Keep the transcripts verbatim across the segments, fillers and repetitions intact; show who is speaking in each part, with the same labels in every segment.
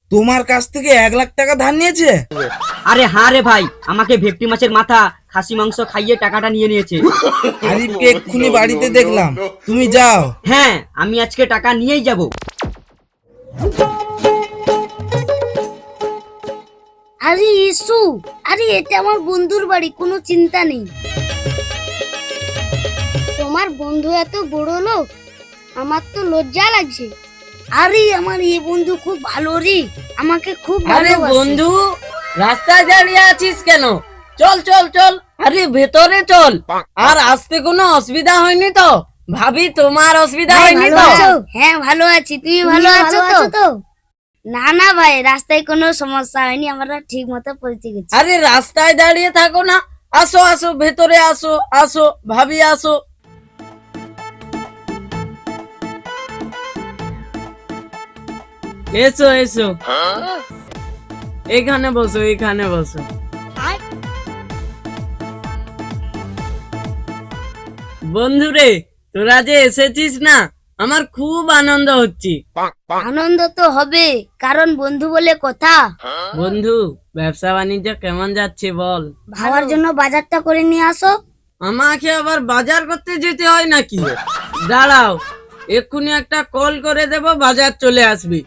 Speaker 1: তোমার কাছ থেকে এক লাখ টাকা ধার নিয়েছে?
Speaker 2: আরে হ্যাঁ রে ভাই, আমাকে ভেটকি মাছের মাথা খাসি মাংস খাইয়ে টাকাটা নিয়ে নিয়েছে।
Speaker 1: আরিফকে এক্ষুনি বাড়িতে দেখলাম, তুমি যাও।
Speaker 2: হ্যাঁ, আমি আজকে টাকা নিয়েই যাব।
Speaker 3: আরে ইসু, আরে এটা আমার বন্ধুর বাড়ি, কোনো চিন্তা নেই। তোমার বন্ধু এত বড় লোক, আমার তো লজ্জা লাগছে। আরে আমার এই বন্ধু খুব ভালো রে, আমাকে খুব
Speaker 4: আরে
Speaker 3: ভালোবাসে।
Speaker 4: বন্ধু, রাস্তায় দাঁড়িয়ে আছিস কেন? চল চল চল, আরে ভেতরে চল। আর আসতে কোনো অসুবিধা হয়নি তো? ভাবি তোমার অসুবিধা
Speaker 3: ভাই,
Speaker 4: হয়নি
Speaker 3: ভালো
Speaker 4: তো?
Speaker 3: আছো? হ্যাঁ ভালো আছি, তুমি ভালো আছো তো? না না ভাই, রাস্তায় কোনো সমস্যা হয়নি, আমরা ঠিক মতো পৌঁছে গেছি।
Speaker 4: আরে রাস্তায় দাঁড়িয়ে থাকো না, আসো আসো ভেতরে আসো, আসো ভাবি আসো। এসো এসো, এখানে বসো, এখানে বসো। বন্ধুরে, তোরা যে এসেছিস না, আমার খুব আনন্দ হচ্ছে।
Speaker 3: আনন্দ তো হবে, কারণ বন্ধু বলে কথা।
Speaker 4: বন্ধু, ব্যবসা বাণিজ্য কেমন যাচ্ছে বল?
Speaker 3: ভাবার জন্য বাজারটা করে নিয়ে আসো।
Speaker 4: আমাকে আবার বাজার করতে যেতে হয় নাকি? দাঁড়াও, এক্ষুনি একটা কল করে দেব, বাজার চলে আসবি।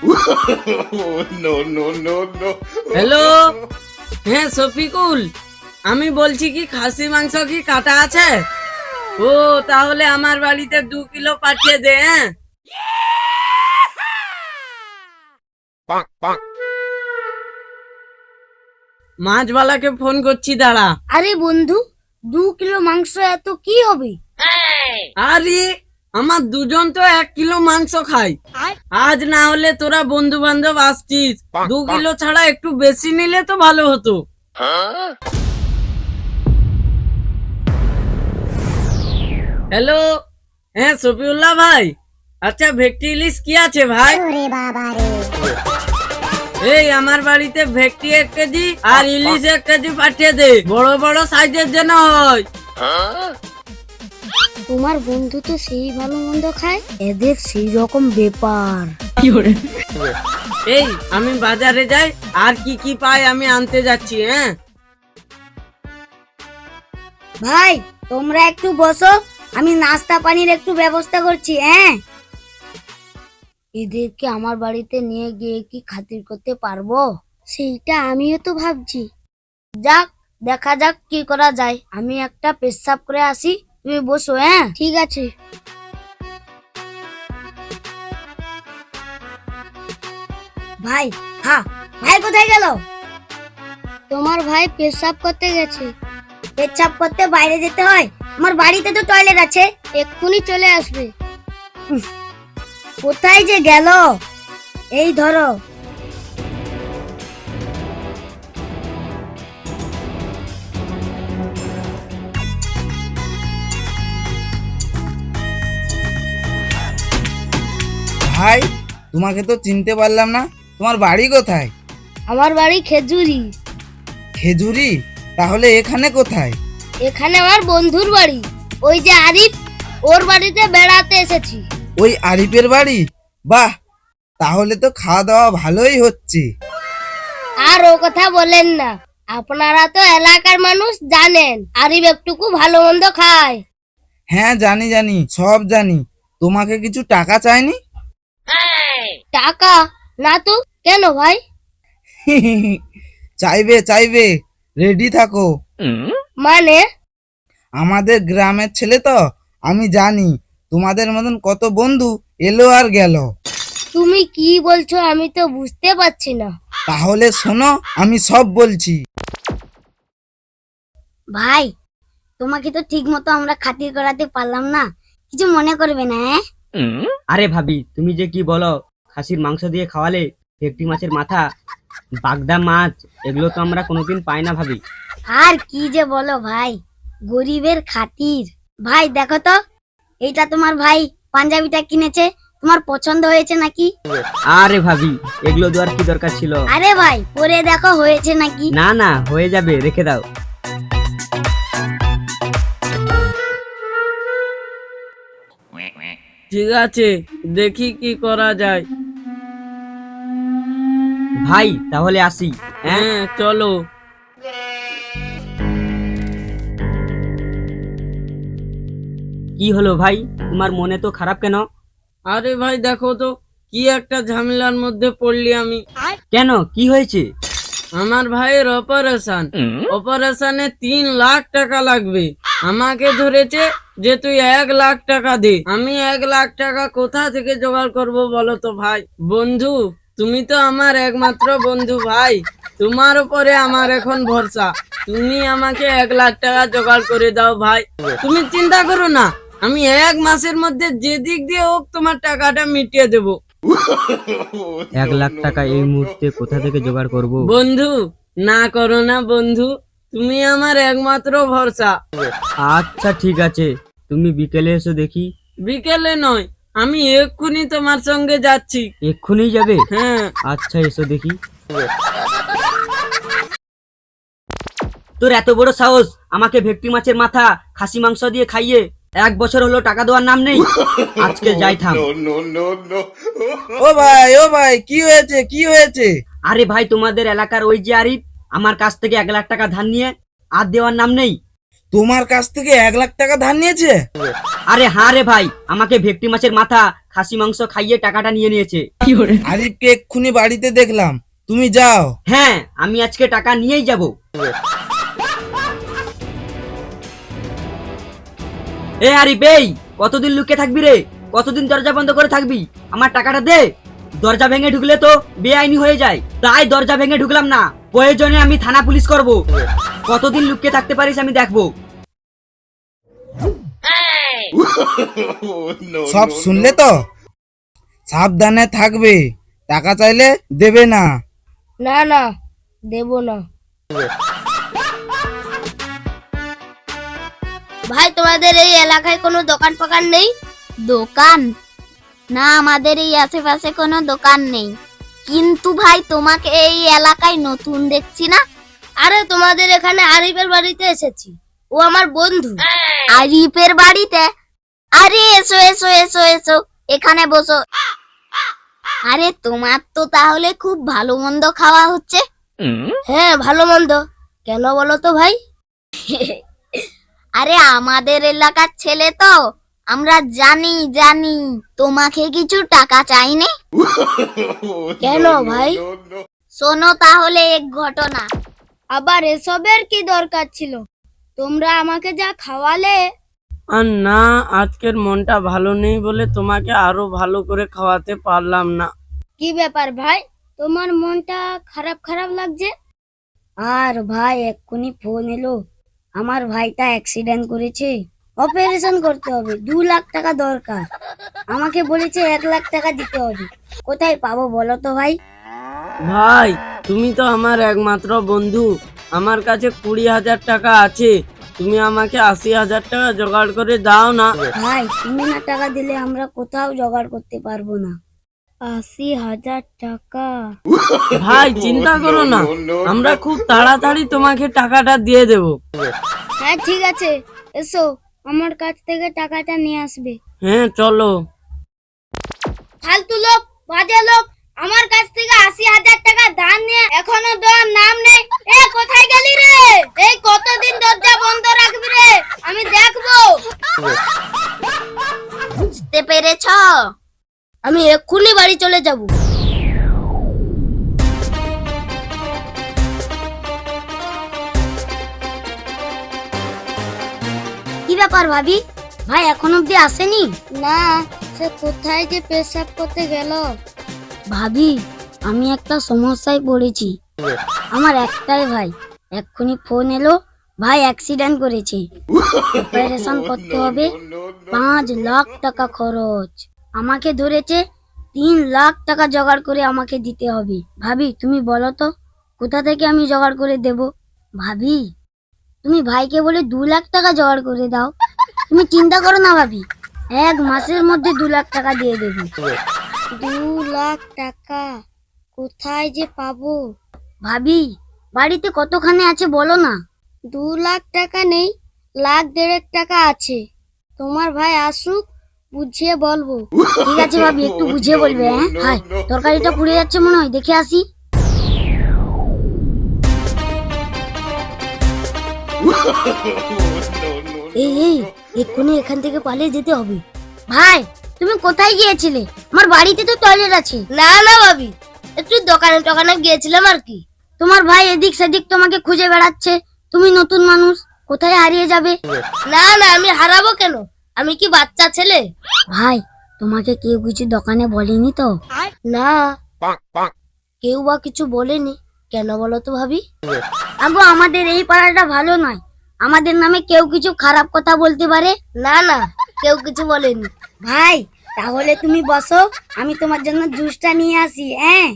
Speaker 4: হ্যালো, হ্যাঁ শফিকুল, আমি বলছি কি খাসি মাংস কি কাটা আছে? ও তাহলে আমার বাড়িতে দু কিলো পাঠিয়ে দে। হ্যাঁ, মাছওয়ালাকে ফোন করছি, দাঁড়া।
Speaker 3: আরে বন্ধু, দু কিলো মাংস এত কি হবে?
Speaker 4: আরে আমার দুজন তো এক কিলো মাংস খাই, আজ না হলে তোরা বন্ধু বান্ধব আসছিস, দু কিলো ছাড়া একটু বেশি নিলে তো ভালো হতো। হ্যালো, হ্যাঁ শফিউল্লাহ ভাই, আচ্ছা ভেটকি ইলিশ কি আছে ভাই? এই আমার বাড়িতে ভেটকি এক কেজি আর ইলিশ এক কেজি পাঠিয়ে দে, বড় বড় সাইজের যেন হয়।
Speaker 3: তোমার বন্ধু তো সেই ভালো মন্দ খায়, এদের সেই রকম ব্যাপার।
Speaker 4: এই আমি বাজারে যাই, আর কি কি পাই আমি আনতে যাচ্ছি। হ্যাঁ
Speaker 3: ভাই, তোমরা একটু বসো, আমি নাস্তা পানির একটু ব্যবস্থা করছি। হ্যাঁ, এদেরকে আমার বাড়িতে নিয়ে গিয়ে কি খাতির করতে পারবো, সেইটা আমিও তো ভাবছি। যাক, দেখা যাক কি করা যায়। আমি একটা পেশাব করে আসি, তুমি বসো। হ্যাঁ ঠিক আছে। ভাই, হ্যাঁ ভাই কোথায় গেল? তোমার ভাই পেশাব করতে গেছে। পেশাব করতে বাইরে যেতে হয়? আমার বাড়িতে তো টয়লেট আছে, এক্ষুনি চলে আসবে। উফ, কোথায় যে গেল? এই ধরো।
Speaker 1: ভাই, তোমাকে তো চিনতে পারলাম না, তোমার বাড়ি কোথায়?
Speaker 3: আমার বাড়ি খেজুরি।
Speaker 1: খেজুরি? তাহলে এখানে কোথায়?
Speaker 3: এখানে আমার বন্ধুর বাড়ি, ওই যে আরিফ, ওর বাড়িতে বেড়াতে এসেছি।
Speaker 1: ওই আরিফের বাড়ি? বাহ, তাহলে তো খাওয়া দাওয়া ভালোই হচ্ছে।
Speaker 3: আর ও কথা বলেন না, আপনারা তো এলাকার মানুষ, জানেন আরিফ একটুকু ভালো মন্দ খায়।
Speaker 1: হ্যাঁ জানি জানি, সব জানি। তোমাকে কিছু টাকা চাইনি?
Speaker 3: টাকা? না তো, কেন ভাই?
Speaker 1: চাইবে চাইবে, রেডি থাকো।
Speaker 3: মানে?
Speaker 1: আমাদের গ্রামের ছেলে তো, আমি জানি তোমাদের মতন কত বন্ধু এলো আর গেল।
Speaker 3: তুমি কি বলছো আমি তো বুঝতে পারছি না।
Speaker 1: তাহলে শোনো, আমি সব বলছি।
Speaker 3: ভাই, তোমাকে তো ঠিক মতো আমরা খাতির করাতে পারলাম না, কিছু মনে করবে না। হ্যাঁ
Speaker 2: আরে ভাবি, তুমি যে কি বলো, খাসির মাংস দিয়ে খাওয়ালে, ভেটকি মাছের মাথা, বাগদা মাছ, এগুলো তো আমরা কোনোদিন পাই না ভাবি।
Speaker 3: আর কি যে বলো ভাই, গরিবের খাতির। ভাই দেখো তো, এইটা তোমার ভাই পাঞ্জাবিটা কিনেছে, তোমার পছন্দ হয়েছে নাকি?
Speaker 2: আরে ভাবি, এগুলো দেওয়ার কি দরকার ছিল?
Speaker 3: আরে ভাই, পরে দেখো হয়েছে নাকি।
Speaker 2: না না, হয়ে যাবে, রেখে দাও।
Speaker 4: ঠিক আছে, দেখি কি করা যায়।
Speaker 2: ভাই তাহলে আসি। হ্যাঁ
Speaker 4: হ্যাঁ চলো।
Speaker 2: কি হলো ভাই, তোমার মনে তো খারাপ কেন?
Speaker 4: আরে ভাই দেখো তো কি একটা ঝামেলার মধ্যে পড়লি আমি।
Speaker 2: কেন, কি হয়েছে?
Speaker 4: আমার ভাইয়ের অপারেশন, অপারেশনে তিন লাখ টাকা লাগবে। আমাকে ধরেছে যে তুই এক লাখ টাকা দে। আমি এক লাখ টাকা কোথা থেকে জোগাড় করব বলো তো ভাই? বন্ধু, তুমি তো আমার একমাত্র বন্ধু ভাই, তোমার উপরে আমার এখন ভরসা। তুমি আমাকে এক লাখ টাকা জোগাড় করে দাও ভাই। তুমি চিন্তা করো না, আমি এক মাসের মধ্যে যে দিক দিয়ে হোক তোমার টাকাটা মিটিয়ে দেবো।
Speaker 2: এক লাখ টাকা এই মুহূর্তে কোথা থেকে জোগাড় করব?
Speaker 4: বন্ধু না করো না বন্ধু, তুমি আমার একমাত্র ভরসা।
Speaker 2: আচ্ছা ঠিক আছে, তুমি বিকেলে এসো দেখি।
Speaker 4: বিকেলে নয়, আমি এক্ষুনি তোমার সঙ্গে যাচ্ছি।
Speaker 2: এক্ষুনি যাবে?
Speaker 4: হ্যাঁ
Speaker 2: আচ্ছা এসো দেখি। তোর এত বড় সাহস, আমাকে ভেটকি মাছের মাথা খাসি মাংস দিয়ে খাইয়ে এক বছর হলো টাকা দেওয়ার নাম নেই। আজকে যাই থাম।
Speaker 1: ও ভাই ও ভাই কি হয়েছে কি হয়েছে?
Speaker 2: আরে ভাই, তোমাদের এলাকার ওই যে আরিফ আমার কাছ থেকে এক লাখ টাকা ধার নিয়ে আর দেওয়ার নাম নেই।
Speaker 1: তোমার কাছ থেকে এক লাখ টাকা ধার নিয়েছে?
Speaker 2: আরে হ্যাঁ রে ভাই, আমাকে ভেটকি মাছের মাথা খাসি মাংস খাইয়ে টাকাটা নিয়ে নিয়েছে।
Speaker 1: আরিফকে এক্ষুনি বাড়িতে দেখলাম, তুমি যাও।
Speaker 2: হ্যাঁ, আমি আজকে টাকা নিয়েই যাব। এ আরিফ, এই কতদিন লুকিয়ে থাকবি রে? কতদিন দরজা বন্ধ করে থাকবি? আমার টাকাটা দে। দরজা ভেঙে ঢুকলে তো বেআইনি হয়ে যায়, তাই দরজা ভেঙে ঢুকলাম না। প্রয়োজনে আমি থানা পুলিশ করব। কতদিন লুকিয়ে থাকতে পারিস আমি দেখবো।
Speaker 1: সব শুনলে তো? সাবধানে থাকবে, টাকা চাইলে দেবে না।
Speaker 3: না না, দেব না। ভাই তোমাদের এই এলাকায় কোনো দোকান ফোকান নেই?
Speaker 5: দোকান? না, আমাদের এই আশেপাশে কোনো দোকান নেই। কিন্তু ভাই তোমাকে এই এলাকায় নতুন দেখছি না।
Speaker 3: আরে তোমাদের এখানে আরিফের বাড়িতে এসেছি, ও আমার বন্ধু।
Speaker 5: আরিফের বাড়িতে? আরে এসো এসো এসো এসো, এখানে বসো। আরে তোমার তো তাহলে খুব ভালো মন্দ খাওয়া হচ্ছে।
Speaker 3: হ্যাঁ ভালো মন্দ, কেন বলো তো ভাই?
Speaker 5: আরে আমাদের এলাকার ছেলে তো, আমরা জানি জানি তোমাকে কিছু টাকা চাইনি।
Speaker 3: কেন ভাই?
Speaker 5: শোনো তাহলে এক ঘটনা।
Speaker 3: আবার এসবের কি দরকার ছিল? তোমরা আমাকে যা খাওয়ালে।
Speaker 4: আর না, আজকের মনটা ভালো নেই বলে তোমাকে আরো ভালো করে খাওয়াতে পারলাম না।
Speaker 3: কি ব্যাপার ভাই, তোমার মনটা খারাপ খারাপ লাগছে? আর ভাই এক্ষুনি ফোন এলো, আমার ভাইটা অ্যাক্সিডেন্ট করেছে, অপারেশন করতে হবে, দু লাখ টাকা দরকার। আমাকে বলেছে এক লাখ টাকা দিতে হবে। কোথায় পাবো বলো তো ভাই?
Speaker 4: ভাই তুমি তো আমার একমাত্র বন্ধু, আমার কাছে কুড়ি হাজার টাকা আছে। তুমি আমাকে আশি হাজার টাকা জোগাড় করে দাও না।
Speaker 3: ভাই তুমি না টাকা দিলে আমরা কোথাও জোগাড় করতে পারবো না। আশি হাজার টাকা?
Speaker 4: ভাই চিন্তা করো না, আমরা খুব তাড়াতাড়ি তোমাকে টাকাটা দিয়ে দেব।
Speaker 3: হ্যাঁ ঠিক আছে, এসো আমার কাছ থেকে টাকাটা নিয়ে আসবে।
Speaker 4: হ্যাঁ চলো।
Speaker 3: ফালতু লোক, বাজে লোক, আমার কাছ থেকে আশি হাজার টাকা ধার নিয়ে এখনো দেওয়ার নাম নেই। এ কোথায় গেলি রে? এই কতদিন দরজা বন্ধ রাখবি রে? আমি দেখবো।
Speaker 5: বুঝতে পেরেছ?
Speaker 3: আমি এক্ষুনি বাড়ি চলে যাব। কি ব্যাপার ভাবি, ভাই এখন অব্দি আসেনি? না, সে কোথায় যে পেশাব করতে গেল। ভাবি আমি একটা সমস্যায় পড়েছি। আমার একটাই ভাই, এক্ষুনি ফোন এলো, ভাই অ্যাক্সিডেন্ট করেছে, অপারেশন করতে হবে, পাঁচ লাখ টাকা খরচ। আমাকে ধরেছে তিন লাখ টাকা জোগাড় করে আমাকে দিতে হবে। ভাবি তুমি বলো তো কোথা থেকে আমি জোগাড় করে দেব? ভাবি তুমি ভাইকে বলে দু লাখ টাকা জোগাড় করে দাও। তুমি চিন্তা করো না ভাবি, এক মাসের মধ্যে দু লাখ টাকা দিয়ে দেবো। দু লাখ টাকা কোথায় যে পাবো? ভাবি বাড়িতে কতখানি আছে বলো না। দু লাখ টাকা নেই, লাখ দেড়েক টাকা আছে। তোমার ভাই আসুক, বুঝিয়ে বলবো। ঠিক আছে ভাবি, একটু বুঝিয়ে বলবে। হ্যাঁ হাই, তরকারিটা পুড়ে যাচ্ছে মনে হয়, দেখে আসি। এই এই এক্ষুনি এখান থেকে পালিয়ে যেতে হবে। ভাই তুমি কোথায় গিয়েছিলে? আমার বাড়িতে তো টয়লেট আছে। না না ভাবি, একটু দোকানে টোকানে গিয়েছিলাম আর কি। তোমার ভাই এদিক সেদিক তোমাকে খুঁজে বেড়াচ্ছে, তুমি নতুন মানুষ, কোথায় হারিয়ে যাবে? না না, আমি হারাবো কেন? আমি কি বাচ্চা ছেলে? ভাই তোমাকে কেউ কিছু দোকানে বলেনি তো? না, কেউ বা কিছু বলেনি। কেন বলো তো ভাবি? আগো আমাদের এই পাড়াটা ভালো নয়, আমাদের নামে কেউ কিছু খারাপ কথা বলতে পারে। না না, কেউ কিছু বলেনি। ভাই তাহলে তুমি বসো, আমি তোমার জন্য জুসটা নিয়ে আসি। হ্যাঁ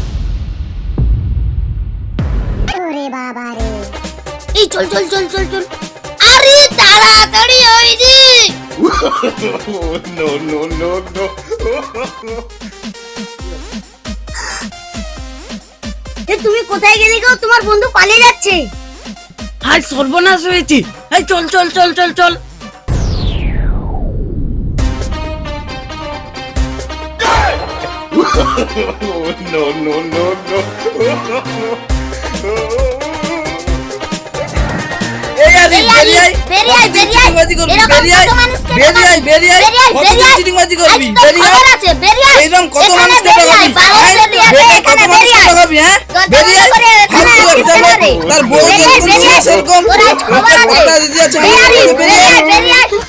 Speaker 3: এই চল চল চল চল চল। আরে তাড়াতাড়ি ওই যে।
Speaker 6: no, no, no, no.
Speaker 3: এ তুমি কোথায় গেলে গো? তোমার বন্ধু পালিয়ে যাচ্ছে।
Speaker 4: হাই সর্বনাশ হয়েছে। এই চল চল চল চল চল।
Speaker 6: no, no, no, no.
Speaker 1: এই আরে বেরিয়ে আয়,
Speaker 3: বেরিয়ে আয়, বেরিয়ে আয়।
Speaker 1: চিটিংবাজি করবি,
Speaker 3: এরকম
Speaker 1: বেরিয়ে আয়,
Speaker 3: কত মানুষকে
Speaker 1: বেরিয়ে আয়, বেরিয়ে আয়,
Speaker 3: বেরিয়ে আয়,
Speaker 1: কত
Speaker 3: বেরিয়ে আয়।
Speaker 1: চিটিংবাজি করবি,
Speaker 3: আজ তো
Speaker 1: বেরিয়ে আয়।
Speaker 3: খবর আছে, বেরিয়ে আয়।
Speaker 1: এইরকম কত
Speaker 3: এখানে
Speaker 1: মানুষকে
Speaker 3: বেরিয়ে আয়,
Speaker 1: ঠকাবি,
Speaker 3: বাইরে
Speaker 1: হ্যাঁ?
Speaker 3: বেরিয়ে আয়,
Speaker 1: বেরিয়ে
Speaker 3: এখানে
Speaker 1: কত
Speaker 3: বেরিয়ে
Speaker 1: মানুষকে
Speaker 3: আয়।
Speaker 1: ঠকাবি, হ্যাঁ?
Speaker 3: দরজা
Speaker 1: বেরিয়ে আয়,
Speaker 3: বন্ধ করে এখানে
Speaker 1: ফালতু
Speaker 3: আসিস
Speaker 1: একটা
Speaker 3: কেন রে?
Speaker 1: তার বউ
Speaker 3: বেরিয়ে আয়,
Speaker 1: যেরকম
Speaker 3: বেরিয়ে আয়।
Speaker 1: সেরকম
Speaker 3: তোর আজ খবর আছে।
Speaker 1: কথা দিতে যাচ্ছে,
Speaker 3: বেরিয়ে আয়,
Speaker 1: বেরিয়ে আয়।
Speaker 3: বেরিয়ে আয়।